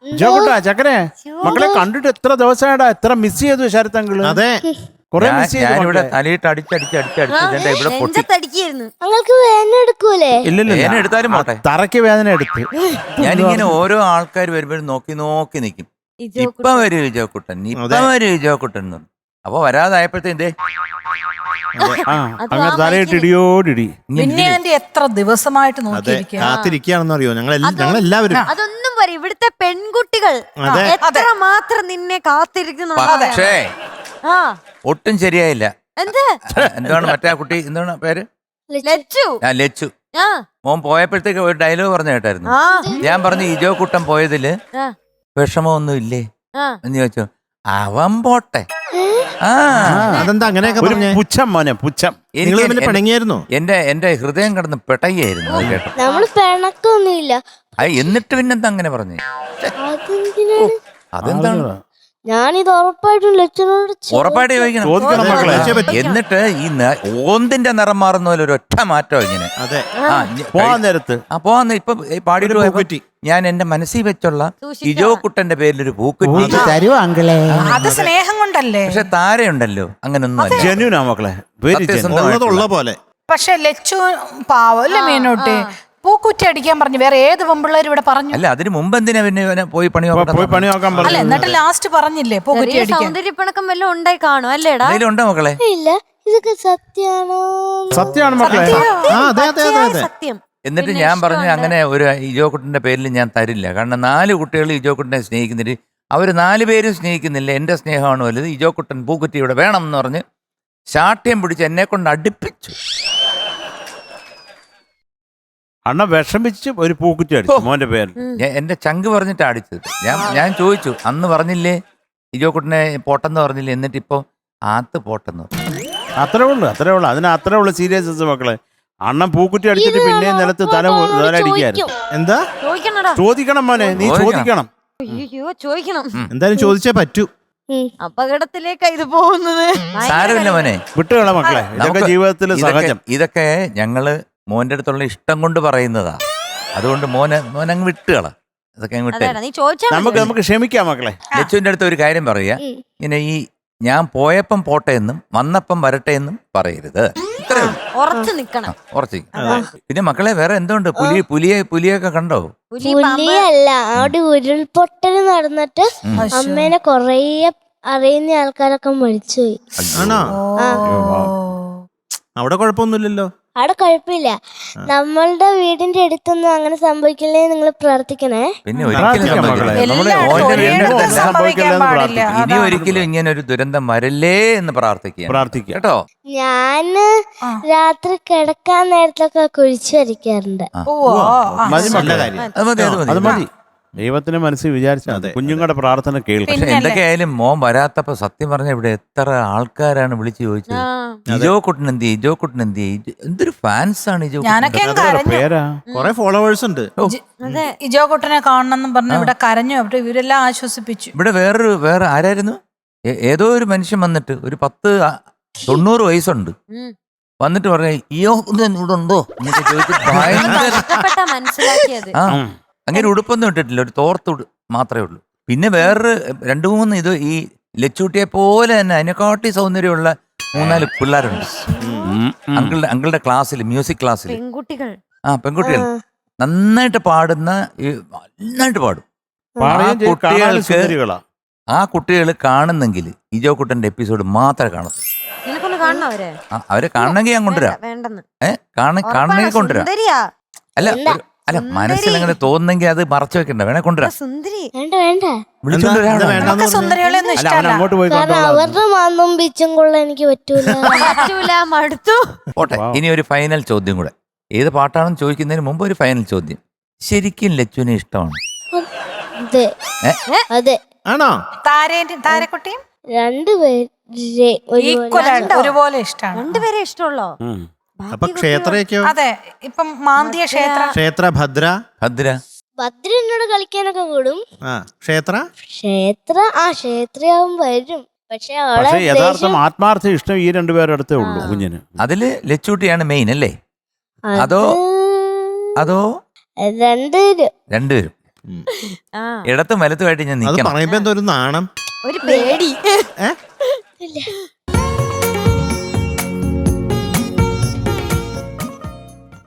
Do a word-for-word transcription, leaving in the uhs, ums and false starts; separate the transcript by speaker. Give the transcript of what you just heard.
Speaker 1: ജോക്കുട്ടാ ചക്കരെ മക്കളെ കണ്ടിട്ട് എത്ര ദിവസമായിടാ, എത്ര മിസ് ചെയ്തു ശരത്തങ്കിള്.
Speaker 2: അതെ,
Speaker 1: കൊറേ മിസ് ചെയ്തു.
Speaker 3: ഞാനിവിടെ തലയിട്ട് അടിച്ചടിച്ച് അടിച്ചടിച്ച് ഇവിടെ പൊട്ടി.
Speaker 4: നിങ്ങൾക്ക് വേദന എടുക്കൂലേ?
Speaker 1: ഇല്ലില്ല,
Speaker 3: എടുത്താലും പോട്ടെ,
Speaker 1: തറയ്ക്ക് വേദന എടുത്ത്.
Speaker 3: ഞാനിങ്ങനെ ഓരോ ആൾക്കാർ വരുമ്പോഴും നോക്കി നോക്കി നിൽക്കും. ഇപ്പം വരും വിജയക്കുട്ടൻ, ഇപ്പം വരും വിജയക്കുട്ടൻ എന്ന് പറഞ്ഞു. അപ്പൊ വരാതായപ്പോഴത്തേന്തേ
Speaker 1: അങ്ങനെ തലയിട്ട് ഇടിയോടിടി.
Speaker 5: പിന്നെ ആന്റി എത്ര ദിവസമായിട്ട് നോക്കിയിരിക്കുക,
Speaker 2: കാത്തിരിക്കുകയാണെന്ന് അറിയോ ഞങ്ങൾ ഞങ്ങൾ എല്ലാവരും.
Speaker 6: അതൊന്നും പറയും ഇവിടുത്തെ പെൺകുട്ടികൾ എത്ര മാത്രം നിന്നെ കാത്തിരിക്കുന്നു.
Speaker 3: പക്ഷേ
Speaker 6: ആ
Speaker 3: ഒട്ടും ശരിയായില്ല.
Speaker 6: എന്ത്
Speaker 3: എന്താണ് മറ്റേ കുട്ടി, എന്താണ് പേര്?
Speaker 6: ലച്ചു.
Speaker 3: ആ ലച്ചു.
Speaker 6: ആ
Speaker 3: മോൻ പോയപ്പോഴത്തേക്ക് ഒരു ഡയലോഗ് പറഞ്ഞു കേട്ടായിരുന്നു.
Speaker 6: ആ
Speaker 3: ഞാൻ പറഞ്ഞു ഇജോ കുട്ടൻ പോയതില്
Speaker 6: ആ
Speaker 3: വിഷമമൊന്നും ഇല്ലേ
Speaker 6: ആ
Speaker 3: എന്ന് ചോദിച്ചു. അവൻ പോട്ടെ. ആ
Speaker 2: അതെന്താ അങ്ങനെയൊക്കെ
Speaker 1: ഒരു
Speaker 2: പറഞ്ഞേ?
Speaker 1: പുച്ഛം മോനെ, പുച്ഛം.
Speaker 2: നിങ്ങൾ തമ്മിൽ പിണങ്ങിയായിരുന്നോ?
Speaker 3: എന്റെ എന്റെ ഹൃദയം കിടന്ന് പെട്ടയായിരുന്നു അത് കേട്ടോ.
Speaker 4: നമ്മള് പിണക്കൊന്നുമില്ല.
Speaker 3: അത് എന്നിട്ട് പിന്നെന്താ അങ്ങനെ പറഞ്ഞേ?
Speaker 4: അതെന്തിനാണ്?
Speaker 3: അതെന്താണ്?
Speaker 4: ഞാനിത് ഉറപ്പായിട്ടും ലക്ഷനോട്
Speaker 3: ഉറപ്പായിട്ട് ചോദിക്കണം.
Speaker 1: ചോദിക്കണം മക്കളെ.
Speaker 3: എന്നിട്ട് ഈ ന- ഓന്തിന്റെ നിറം മാറുന്ന പോലെ ഒരു ഒറ്റ മാറ്റം ഇങ്ങനെ.
Speaker 2: അതെ,
Speaker 3: ആ
Speaker 1: പോവാൻ നേരത്ത്
Speaker 3: ആ പോവാന്ന് ഇപ്പൊ പാടിയിട്ട് പോയപ്പോ ഞാൻ എന്റെ മനസ്സിൽ വെച്ചുള്ള ഇജോ കുട്ടന്റെ പേരിലൊരു പൂക്കുറ്റി
Speaker 1: തരുവാ അങ്കിളെ.
Speaker 5: അത് സ്നേഹം കൊണ്ടല്ലേ.
Speaker 3: പക്ഷെ താരയുണ്ടല്ലോ അങ്ങനൊന്നും അല്ല.
Speaker 1: ജനുനാ മക്കളെ, വെരി
Speaker 3: സത്യസന്ധമായിട്ടുള്ള.
Speaker 2: ഉള്ള പോലെ.
Speaker 5: പക്ഷെ ലച്ചു പാവം അല്ലേ മീനോട്ട്, പൂക്കുറ്റി അടിക്കാൻ പറഞ്ഞു. വേറെ ഏത് പെമ്പിള്ളേർ ഇവിടെ പറഞ്ഞു?
Speaker 3: അല്ല അതിന് മുമ്പ് എന്തിനാ പിന്നെ ഇവനെ പോയി പണി
Speaker 1: പോയി പണി നോക്കാൻ
Speaker 5: അല്ല
Speaker 1: പറഞ്ഞു.
Speaker 5: എന്നിട്ട് ലാസ്റ്റ് പറഞ്ഞില്ലേ പൂക്കുറ്റി അടിക്കാൻ?
Speaker 6: സൗന്ദര്യപ്പണക്കം വല്ലതും ഉണ്ടായി കാണും അല്ലേടാ?
Speaker 3: ഉണ്ടോ മക്കളെ?
Speaker 4: ഇല്ല. ഇതൊക്കെ സത്യാണോ?
Speaker 1: സത്യമാണ് മക്കളെ.
Speaker 2: ആ അതെ അതെ അതെ അതെ.
Speaker 6: സത്യം.
Speaker 3: എന്നിട്ട് ഞാൻ പറഞ്ഞു അങ്ങനെ ഒരു ഇജോ കുട്ടന്റെ പേരിൽ ഞാൻ തരില്ല. കാരണം നാല് കുട്ടികൾ ഇജോ കുട്ടനെ സ്നേഹിക്കുന്നില്ല, അവർ നാല് പേരും സ്നേഹിക്കുന്നില്ല. എന്റെ സ്നേഹമാണ് വലുത്. ഇജോ കുട്ടൻ പൂക്കുറ്റി ഇവിടെ വേണം എന്ന് പറഞ്ഞ് ശാഠ്യം പിടിച്ച് എന്നെ കൊണ്ട് അടുപ്പിച്ചു.
Speaker 1: അണ്ണ വിഷമിച്ച് ഒരു പൂക്കുറ്റി അടിച്ചു മോന്റെ പേരിൽ.
Speaker 3: ഞാൻ എന്റെ ചങ്ക് പറഞ്ഞിട്ട് അടിച്ചത്. ഞാൻ ഞാൻ ചോദിച്ചു അന്ന് പറഞ്ഞില്ലേ ഇജോ കുട്ടനെ പോട്ടെന്ന് പറഞ്ഞില്ലേ, എന്നിട്ട് ഇപ്പൊ ആത്ത് പോട്ടെന്ന് പറഞ്ഞു.
Speaker 1: അത്രേ ഉള്ളു, അത്രേ ഉള്ളു. അതിന് അത്രേ ഉള്ളു സീരിയസ്നെസ് മക്കളെ. അണ്ണൻ പൂക്കുറ്റി അടിച്ചിട്ട് പിന്നെ നിലത്ത് തല തല അടിക്കായിരുന്നു.
Speaker 2: എന്താ
Speaker 6: ചോദിക്കണടാ.
Speaker 1: ചോദിക്കണം മോനെ, നീ ചോദിക്കണം.
Speaker 6: അയ്യോ ചോദിക്കണം.
Speaker 2: എന്തായാലും ചോദിച്ചേ പറ്റൂ.
Speaker 6: അപകടത്തിലേക്കാ ഇത് പോകുന്നത്.
Speaker 3: സാരമില്ല മോനെ,
Speaker 1: വിട്ടുകള മക്കളെ, ഇതൊക്കെ
Speaker 3: നമുക്ക്
Speaker 1: ജീവിതത്തിൽ
Speaker 3: ഇതൊക്കെ
Speaker 1: സഹജം.
Speaker 3: ഇതൊക്കെ ഞങ്ങള് മോന്റെ അടുത്തുള്ള ഇഷ്ടം കൊണ്ട് പറയുന്നതാ. അതുകൊണ്ട് മോനെ മോനങ്ങ് വിട്ടുകള, ഇതൊക്കെ അങ്ങ് വിട്ടേ.
Speaker 6: നീ ചോദിച്ചാ
Speaker 1: നമുക്ക് നമുക്ക് ക്ഷമിക്കാം മക്കളെ.
Speaker 3: ലച്ചുവിന്റെ അടുത്ത് ഒരു കാര്യം പറയാ, ഇങ്ങനെ ഈ ഞാൻ പോയപ്പം പോട്ടെ എന്നും വന്നപ്പം വരട്ടെ എന്നും പറയരുത്. ഇത്രേ ഉള്ളൂ.
Speaker 6: ഉറച്ചു നിക്കണം.
Speaker 3: ഉറച്ചു. പിന്നെ മക്കളെ വേറെ എന്തുണ്ട്? പുലി പുലിയെ പുലിയൊക്കെ കണ്ടോ?
Speaker 6: പുലി, പാമ്പ്.
Speaker 4: പുലിയല്ല, അവിടെ ഉരുൾപൊട്ടൽ നടന്നിട്ട് അമ്മേനെ കൊറേ അറിയുന്ന ആൾക്കാരൊക്കെ മരിച്ചുപോയി.
Speaker 2: ആണോ?
Speaker 4: ആ
Speaker 2: അവിടെ കുഴപ്പമൊന്നുമില്ലല്ലോ.
Speaker 4: അവിടെ കുഴപ്പമില്ല. നമ്മളുടെ വീടിന്റെ അടുത്തൊന്നും അങ്ങനെ സംഭവിക്കില്ലേ, നിങ്ങൾ പ്രാർത്ഥിക്കണേ.
Speaker 3: പിന്നെ ഒരിക്കലും
Speaker 1: പ്രാർത്ഥിക്കാം മക്കളെ.
Speaker 3: സംഭവിക്കില്ല.
Speaker 1: നമ്മള്
Speaker 5: എല്ലായിടത്തും
Speaker 3: മോന്റെ
Speaker 5: ഒരേ
Speaker 3: വീടിന്റെ
Speaker 5: ഇടത്ത്
Speaker 3: അടുത്തല്ല.
Speaker 5: സംഭവിക്കാൻ പാടില്ല.
Speaker 3: ഇനി
Speaker 5: അതാണ്.
Speaker 3: ഒരിക്കലും ഇങ്ങനെ ഒരു ദുരന്തം വരല്ലേ എന്ന് പ്രാർത്ഥിക്കുക
Speaker 1: പ്രാർത്ഥിക്കാം
Speaker 3: കേട്ടോ.
Speaker 4: ഞാന് രാത്രി കിടക്കാൻ നേരത്തൊക്കെ കുഴിച്ചു വരയ്ക്കാറുണ്ട്.
Speaker 5: ഓ, ആ,
Speaker 1: മതി
Speaker 2: നല്ല
Speaker 1: മക്കളെ,
Speaker 2: കാര്യം.
Speaker 3: അത് മതി അത്
Speaker 1: അത്
Speaker 3: മതി.
Speaker 1: മതി. ദൈവത്തിന്റെ മനസ്സിൽ വിചാരിച്ചാൽ കുഞ്ഞുങ്ങളുടെ പ്രാർത്ഥന കേൾക്കും.
Speaker 3: പക്ഷെ എന്തൊക്കെയായാലും മോൻ വരാത്തപ്പോ സത്യം പറഞ്ഞ ഇവിടെ എത്ര ആൾക്കാരാണ് വിളിച്ചു ചോദിച്ചത്, ഇജോ കുട്ടൻ എന്ത് ചെയ്യും, ഇജോ കുട്ടൻ എന്ത് ചെയ്യും, എന്തൊരു ഫാൻസ് ആണ് ഇജോ കുട്ടൻ.
Speaker 5: ഞാനൊക്കെ അങ്ങ് കരഞ്ഞു.
Speaker 1: പേരാ
Speaker 2: കൊറേ ഫോളോവേഴ്സ് ഉണ്ട്.
Speaker 5: ഇജോ കുട്ടനെ കാണണം പറഞ്ഞു ഇവിടെ കരഞ്ഞു. അവിടെ ഇവരെല്ലാം ആശ്വസിപ്പിച്ചു.
Speaker 3: ഇവിടെ വേറൊരു വേറെ ആരായിരുന്നു, ഏ- ഏതോ ഒരു മനുഷ്യൻ വന്നിട്ട് ഒരു പത്ത് ആ- തൊണ്ണൂറ് വയസ്സുണ്ട്, വന്നിട്ട് പറഞ്ഞ ഇയോ ഇവിടെ ഉണ്ടോ എന്നൊക്കെ ചോദിച്ചിട്ട് ഭയങ്കര
Speaker 6: കഷ്ടപ്പെട്ടാ മനസ്സിലാക്കിയത്.
Speaker 3: ആ അങ്ങനെ ഉടുപ്പൊന്നും ഇട്ടിട്ടില്ല, ഒരു തോർത്ത് ഉടു മാത്രമേ ഉള്ളൂ. പിന്നെ വേറൊരു രണ്ടു മൂന്ന് ഇത് ഈ ലച്ചൂട്ടിയെ പോലെ തന്നെ അതിനെക്കാട്ടി സൗന്ദര്യമുള്ള മൂന്നാല് പിള്ളേരുണ്ട് അങ്കിളുടെ അങ്കിളുടെ ക്ലാസ്സിൽ, മ്യൂസിക് ക്ലാസ്സിൽ.
Speaker 6: പെൺകുട്ടികൾ.
Speaker 3: ആ പെൺകുട്ടികൾ നന്നായിട്ട് പാടുന്ന ഈ നന്നായിട്ട് പാടും.
Speaker 1: പാടുകയും ചെയ്യും, കാണാനും
Speaker 3: കുട്ടികൾക്ക്
Speaker 1: സുന്ദരികളാ.
Speaker 3: ആ കുട്ടികൾ കാണുന്നെങ്കിൽ ഇജോ കുട്ടന്റെ എപ്പിസോഡ് മാത്രമേ കാണത്തു.
Speaker 6: നിനക്കൊന്ന് കാണണം അവരെ.
Speaker 3: ആ, അവരെ കാണണമെങ്കിൽ ഞാൻ കൊണ്ടുവരാം.
Speaker 6: വേണ്ടെന്ന്.
Speaker 3: ഏഹ് കാണ കാണണമെങ്കിൽ കൊണ്ടുവരാം.
Speaker 6: സുന്ദരിയാ.
Speaker 3: അല്ല ഒരു- അല്ല മനസ്സിൽ അങ്ങനെ തോന്നുന്നെങ്കിൽ അത് മറച്ചു വെക്കണ്ട, വേണേ കൊണ്ടുവരാം.
Speaker 6: സുന്ദരി.
Speaker 4: വേണ്ട വേണ്ട,
Speaker 3: വിളിച്ചോണ്ട് വരാം.
Speaker 2: എന്താ വേണ്ടെന്ന്
Speaker 5: നമുക്ക് സുന്ദരികളെ ഒന്നും
Speaker 1: അല്ല അവൻ
Speaker 5: ഇഷ്ടമല്ല.
Speaker 1: അങ്ങോട്ട് പോയി
Speaker 4: കാരണം
Speaker 1: കൊണ്ടുപോകാം.
Speaker 4: അവരുടെ മാന്നും ബീച്ചും കൊള്ള എനിക്ക് പറ്റൂല.
Speaker 6: പറ്റൂല, മടുത്തു.
Speaker 3: പോട്ടെ, ഇനി ഒരു ഫൈനൽ ചോദ്യം കൂടെ. ഏത് പാട്ടാണെന്ന് ചോദിക്കുന്നതിന് മുമ്പ് ഒരു ഫൈനൽ ചോദ്യം. ശരിക്കും ലച്ചുവിനെ ഇഷ്ടമാണ്?
Speaker 4: അതെ
Speaker 3: ഏ?
Speaker 4: അതെ.
Speaker 2: ആണോ?
Speaker 5: താരേന്റെ താരക്കുട്ടിയും
Speaker 4: രണ്ടുപേരെ
Speaker 5: ഈക്വൽ ആണ്, ഒരുപോലെ ഇഷ്ടമാണ്.
Speaker 6: രണ്ടുപേരെ ഇഷ്ടമുള്ളോ?
Speaker 1: ഉം.
Speaker 2: അപ്പൊ ക്ഷേത്രയൊക്കെയോ?
Speaker 5: അതെ, ഇപ്പം മാന്തിയ ക്ഷേത്ര
Speaker 2: ക്ഷേത്ര ഭദ്ര.
Speaker 3: ഭദ്ര
Speaker 4: ഭദ്ര എന്നോട് കളിക്കാനൊക്കെ കൂടും.
Speaker 2: ആ ക്ഷേത്ര
Speaker 4: ക്ഷേത്ര ആ ക്ഷേത്രയാവും വരും. പക്ഷെ അവളെ
Speaker 1: പക്ഷെ യഥാർത്ഥം
Speaker 4: ദേഷ്യം-
Speaker 1: ആത്മാർത്ഥ ഇഷ്ടം ഈ രണ്ടുപേരുടെ അടുത്തേ ഉള്ളൂ കുഞ്ഞിന്.
Speaker 3: അതില് ലച്ചൂട്ടിയാണ് മെയിൻ അല്ലേ?
Speaker 4: അത്
Speaker 3: അതോ അതോ
Speaker 4: രണ്ടുപേരും
Speaker 3: രണ്ടുപേരും
Speaker 2: ഉം.
Speaker 6: ആ,
Speaker 3: ഇടത്തും വലത്തുമായിട്ട് ഞാൻ
Speaker 2: അത്
Speaker 3: നിൽക്കണം.
Speaker 2: പറയുമ്പോ എന്തോ ഒരു നാണം.
Speaker 6: ഒരു പേടി.
Speaker 2: ഏ
Speaker 4: ഇല്ല